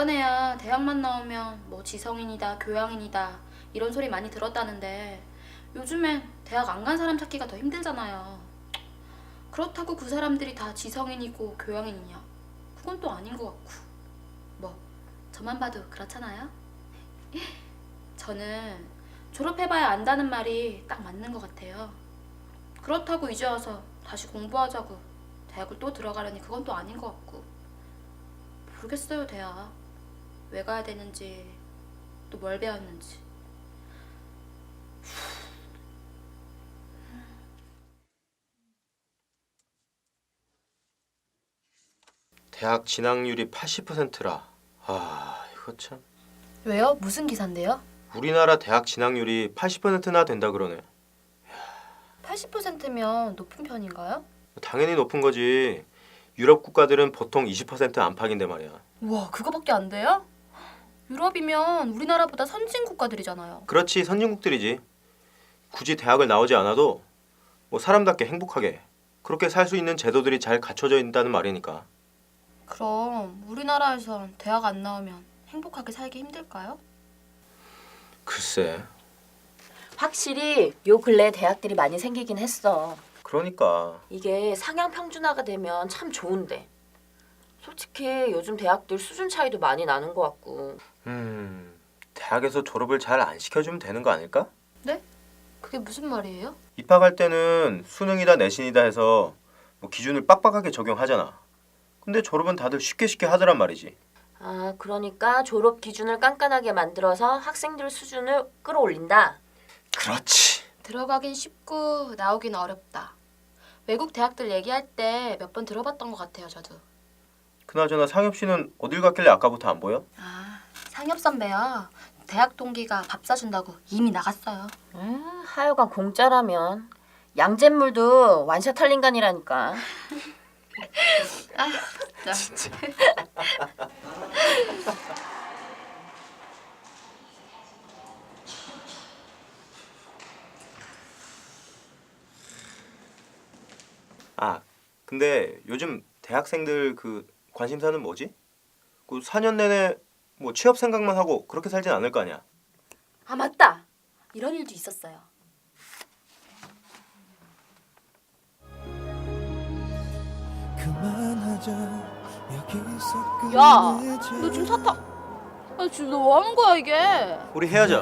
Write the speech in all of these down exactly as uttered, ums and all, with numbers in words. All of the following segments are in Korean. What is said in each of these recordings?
예전에야 대학만 나오면 뭐 지성인이다, 교양인이다 이런 소리 많이 들었다는데 요즘엔 대학 안 간 사람 찾기가 더 힘들잖아요. 그렇다고 그 사람들이 다 지성인이고 교양인이냐? 그건 또 아닌 것 같고. 뭐 저만 봐도 그렇잖아요? 저는 졸업해봐야 안다는 말이 딱 맞는 것 같아요. 그렇다고 이제 와서 다시 공부하자고 대학을 또 들어가려니 그건 또 아닌 것 같고. 모르겠어요, 대학. 왜 가야 되는지, 또 뭘 배웠는지. 대학 진학률이 팔십 퍼센트라. 아, 이거 참. 왜요? 무슨 기사인데요? 우리나라 대학 진학률이 팔십 퍼센트나 된다 그러네. 팔십 퍼센트면 높은 편인가요? 당연히 높은 거지. 유럽 국가들은 보통 이십 퍼센트 안팎인데 말이야. 우와, 그거밖에 안 돼요? 유럽이면 우리나라보다 선진 국가들이잖아요. 그렇지, 선진국들이지. 굳이 대학을 나오지 않아도 뭐 사람답게 행복하게 그렇게 살 수 있는 제도들이 잘 갖춰져 있다는 말이니까. 그럼 우리나라에선 대학 안 나오면 행복하게 살기 힘들까요? 글쎄. 확실히 요 근래에 대학들이 많이 생기긴 했어. 그러니까. 이게 상향 평준화가 되면 참 좋은데. 솔직히 요즘 대학들 수준 차이도 많이 나는 것 같고. 음, 대학에서 졸업을 잘 안 시켜주면 되는 거 아닐까? 네? 그게 무슨 말이에요? 입학할 때는 수능이다 내신이다 해서 뭐 기준을 빡빡하게 적용하잖아. 근데 졸업은 다들 쉽게 쉽게 하더란 말이지. 아, 그러니까 졸업 기준을 깐깐하게 만들어서 학생들 수준을 끌어올린다. 그렇지. 들어가긴 쉽고 나오긴 어렵다. 외국 대학들 얘기할 때 몇 번 들어봤던 것 같아요, 저도. 그나저나 상엽 씨는 어딜 갔길래 아까부터 안 보여? 아, 상엽 선배요. 대학 동기가 밥 사준다고 이미 나갔어요. 음, 하여간 공짜라면 양잿물도 완샷할 인간이라니까. 아, 진짜. 아, 근데 요즘 대학생들 그 관심사는 뭐지? 그 사 년 내내 뭐 취업 생각만 하고 그렇게 살진 않을 거 아니야. 아 맞다. 이런 일도 있었어요. 야, 너 지금 사탕. 아, 지금 너 뭐 하는 거야 이게? 우리 헤어져.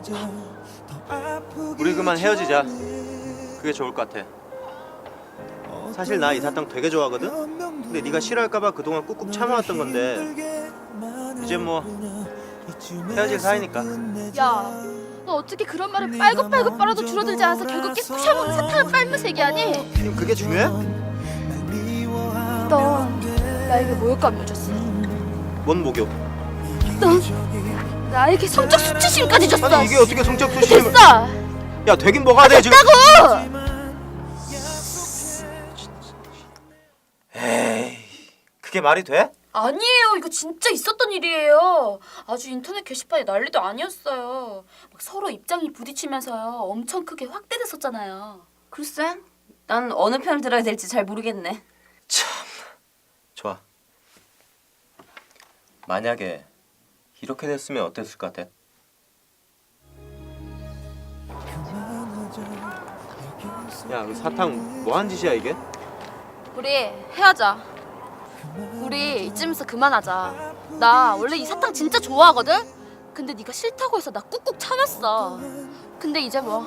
우리 그만 헤어지자. 그게 좋을 것 같아. 사실 나 이 사탕 되게 좋아하거든? 근데 네가 싫어할까봐 그동안 꾹꾹 참아왔던 건데 이제 뭐 헤어질 사이니까. 야, 너 어떻게 그런 말을 빨고빨고 빨아도 줄어들지 않아서 결국 깨끗 참은 사탕을 빨면서 얘기하니? 지금 그게 중요해? 너 나에게 모욕감을 줬어. 뭔 목욕? 너 나에게 성적 수치심까지 줬어. 아니 이게 어떻게 성적 수치심을... 됐어. 야 되긴 뭐가 돼 지금. 됐다고. 에이 그게 말이 돼? 아니에요. 이거 진짜 있었던 일이에요. 아주 인터넷 게시판이 난리도 아니었어요. 막 서로 입장이 부딪히면서요. 엄청 크게 확대됐었잖아요. 글쎄, 난 어느 편을 들어야 될지 잘 모르겠네. 참 좋아. 만약에 이렇게 됐으면 어땠을 것 같아? 야, 그 사탕 뭐한 짓이야 이게? 우리 헤어져. 우리 이쯤에서 그만하자. 나 원래 이 사탕 진짜 좋아하거든? 근데 네가 싫다고 해서 나 꾹꾹 참았어. 근데 이제 뭐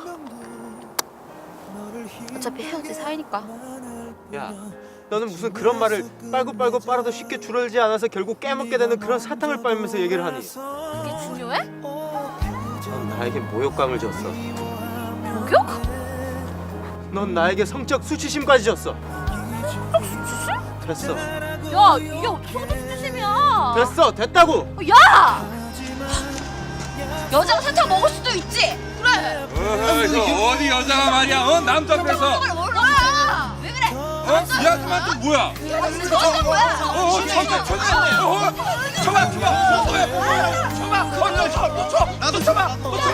어차피 헤어질 사이니까. 야, 너는 무슨 그런 말을 빨고 빨고 빨아도 쉽게 줄어들지 않아서 결국 깨먹게 되는 그런 사탕을 빨면서 얘기를 하니? 그게 중요해? 넌 나에게 모욕감을 줬어. 목욕? 넌 나에게 성적 수치심까지 줬어. 됐어. 야, 이게 어떻게 수치심이야? 됐어. 됐다고. 야! 여자가 사탕 먹을 수도 있지. 그래. 어허, 어디 여자가 말이야? 어? 남자 앞에서 그걸 몰라. 왜 그래? 어? 이 아줌마한테 뭐야? 저건 뭐야? 어, 어, 저거, 저거, 어, 쳐봐, 쳐봐, 어, 뭐야? 쳐봐, 어, 너 쳐, 너 쳐, 나도 쳐봐, 너 쳐.